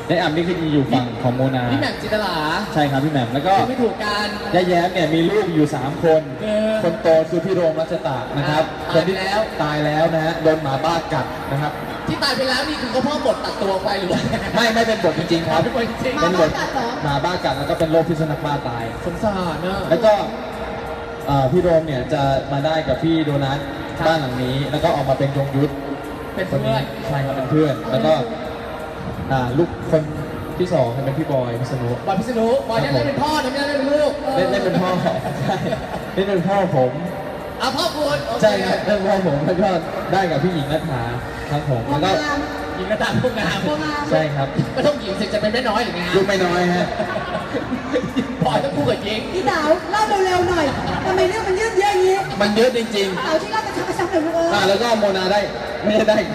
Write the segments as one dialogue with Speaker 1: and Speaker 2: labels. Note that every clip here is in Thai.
Speaker 1: ยายอ่ำนี่คืออยู่ฝั่งของโมนา
Speaker 2: พี่แหม่มจินตลา
Speaker 1: ใช่ครับพี่แหม่มแล้วก็
Speaker 2: ไม่ถูกกัน
Speaker 1: ยายแย้มเนี่ยมีลูกอยู่3 คนคนโตคือพี่โรมรัชตะนะครับคนที่แล้วตายแล้วนะฮะโดนหมาบ้ากัดนะครับ
Speaker 2: ที่ตายไปแล้วนี่คือเขาพ่อบทตัดตัวไปหรือว่า
Speaker 1: ไม่เป็นบทจริงๆครับ
Speaker 2: เป็นบทจริง
Speaker 1: เป็นบทหมาบ้ากัดแล้วก็เป็นโรคพิษสุนัขบ้าตาย
Speaker 2: สงสารเนอะ
Speaker 1: แล้วก็พี่โรมเนี่ยจะมาได้กับพี่โดนัทบ้านหลังนี้ แล้วก็ออกมาเป็นยงยุทธ
Speaker 2: เป็น
Speaker 1: คน
Speaker 2: เพื่
Speaker 1: นี้
Speaker 2: อน
Speaker 1: ใช่ครับเป็นเพื่อน แล้วก็ลูกคนที่2เป็นพี่บอยพิษณุ
Speaker 2: บอยพิษณุบอยเนี่ยได้เป็นพ่อนะไม่ได้เป็นลูก
Speaker 1: เล่นเป็นพ่อใช่เล่นเป็นพ่อผม
Speaker 2: เอาพ่อคุณโอเค
Speaker 1: ใช่ครับเล่นเป็นพ่อผมแล้วก็ได้กับพี่หญิงรัฐาครับผมแล้วก็
Speaker 2: หญิงกระตามพวกงาม
Speaker 1: ใช่ครับ
Speaker 2: ไม่ต้องหญิงสิจะเป็นแม่น้อยหรือไง
Speaker 1: ลูกไม่น้อยฮะ
Speaker 2: บอยต้องคู่กับหญิง
Speaker 3: พี่สาวเล่าเร็วๆหน่อยทำไมเรื่องมันยืดเยอะอย่างนี้
Speaker 1: มันเยอะจริง
Speaker 3: สาวที่เล่าเป็นชักๆเลยลูกเออ
Speaker 1: ๆแล้วก็โมนาได้ไม่ได้ใคร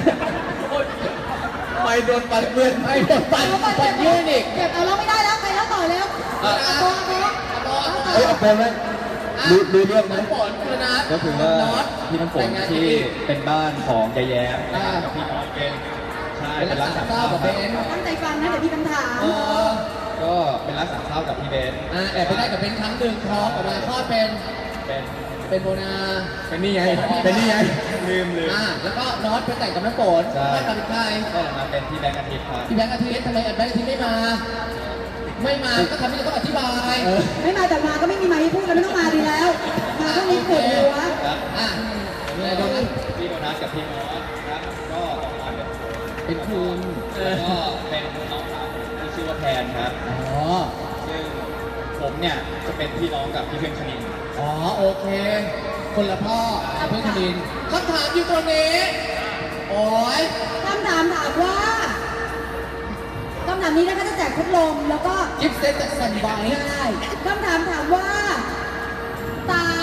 Speaker 2: ไม่โดนปัดเพื่อนไม่โดนปัดปัดยืนอีก
Speaker 3: เก็บเอาเราไม่ได้แล้วใครแล้วต่อแล้วเอาตัว
Speaker 1: เอ้ยเอาเป็นไหมรู้เรื่องไหม
Speaker 2: น้ำฝนคือนะ
Speaker 1: ก็คือว่า
Speaker 2: น็อต
Speaker 1: พี่น้ำฝนที่เป็นบ้านของยายแย้มกับพี่น้องเป็นใช่
Speaker 2: เป็น
Speaker 1: เป็น
Speaker 2: รั
Speaker 1: ร้าก น
Speaker 2: ษา
Speaker 1: สาม
Speaker 2: เศร้า
Speaker 1: ข้าว
Speaker 2: กับ
Speaker 1: ค
Speaker 2: เบ
Speaker 1: รับ
Speaker 2: น
Speaker 3: ตั้งใจฟังนะเดี๋ยวพี่คำถาม
Speaker 1: ก็เป็นร้านสามข้าวกับพี่เบน
Speaker 2: แอบไปได้กับเบนครั้งหนึ่งท้องออกมาคลอดเป็น
Speaker 1: เป็น
Speaker 2: เป็นโบนา
Speaker 1: เป็นนี่ไงเป็นนี่ไงลืม
Speaker 2: แล้วก็น็อตไปแต่งกับน้ำฝน
Speaker 1: ใช่
Speaker 2: ไม่กับใคร
Speaker 1: ก็มาเป็นพี่แบงค์อาทิตย์ครับ
Speaker 2: พี่แบงค์อาทิตย์ทำไมแบงค์อาทิตย์ไม่มา ไม่มาก็ทำให้เราต้องอธิบาย
Speaker 3: ไม่มาแต่มาก็ไม่มีไม้ให้พูดแล้วไม่ต้องมาดีแล้ว มาเท่านี้ปวดหัว
Speaker 1: ครับ
Speaker 2: อ่ะ
Speaker 1: แล้วก็พี่โดนัทกับพี่มอสครับก็ออกมาเป็น
Speaker 2: เป็นคุณ
Speaker 1: แล้วก็เป็นน้องสาวที่ชื่อว่าแพนครับ
Speaker 2: อ๋อ
Speaker 1: ซึ่งผมเนี่ยจะเป็นพี่น้องกับพี่เพื่อนคณิน
Speaker 2: อ๋อโอเค คนละพ่อเพื่อนคณินคำถามอยู่ตรงนี้ โอ้ย
Speaker 3: คำถามถามว่าคำถามนี้นะคะจะแจกพัดลมแล้วก็
Speaker 2: กิฟต์เซตจากซันไบ
Speaker 3: ได้คำถามถามว่าเต๋า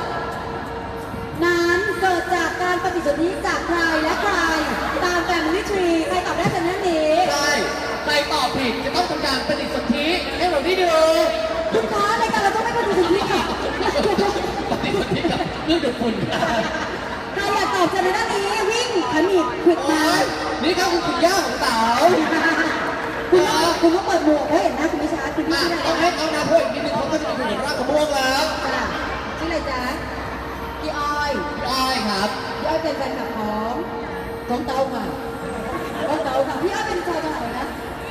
Speaker 3: นั้นเกิดจากการปฏิสนธิจากใครและใครตามแฟมิลี่ทรีใครตอบได้เป็นนั่นนี้
Speaker 2: ใช่ใครตอบผิดจะต้องทำการปฏิสนธิให้เราได้ดู
Speaker 3: คุณคะรายการเราต้องไม่ปฏิสนธิค่ะ
Speaker 2: ปฏิสนธิกับเรื่องดูดฝุ่นกัน
Speaker 3: ใครอยากตอบจะในด้านนี้วิ่งขมิบขวิด
Speaker 2: โอ้
Speaker 3: มาย
Speaker 2: นี่ครับคือคุณย่าของเต๋า
Speaker 3: คุณต้องเปิดหมวกแล้วเห็นหน้าคุณไม่ชัดคุณ
Speaker 2: อ่ะ
Speaker 3: พี่ชื่อ
Speaker 2: ต้อง
Speaker 3: อะไร
Speaker 2: ให้เขานาพูดอีกนิดนึงเขาก็จะไปอยู่ในร่างของพวกแล้ว
Speaker 3: ค่ะชื่ออะไรจ๊ะพี่อ้อย
Speaker 2: พี่อ้อยครับ
Speaker 3: พี่อ้อยเป็นแฟนคลับของเตาค่ะของเตาค่ะพี่อ้อยเป็นชาวจังหวัดอะไรนะ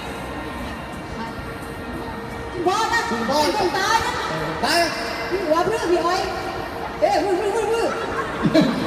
Speaker 3: คุณพ่อนะคุณตายนะ
Speaker 2: ได้
Speaker 3: พี่หัวเพื่อนพี่อ้อยเอ๊ะวื้อ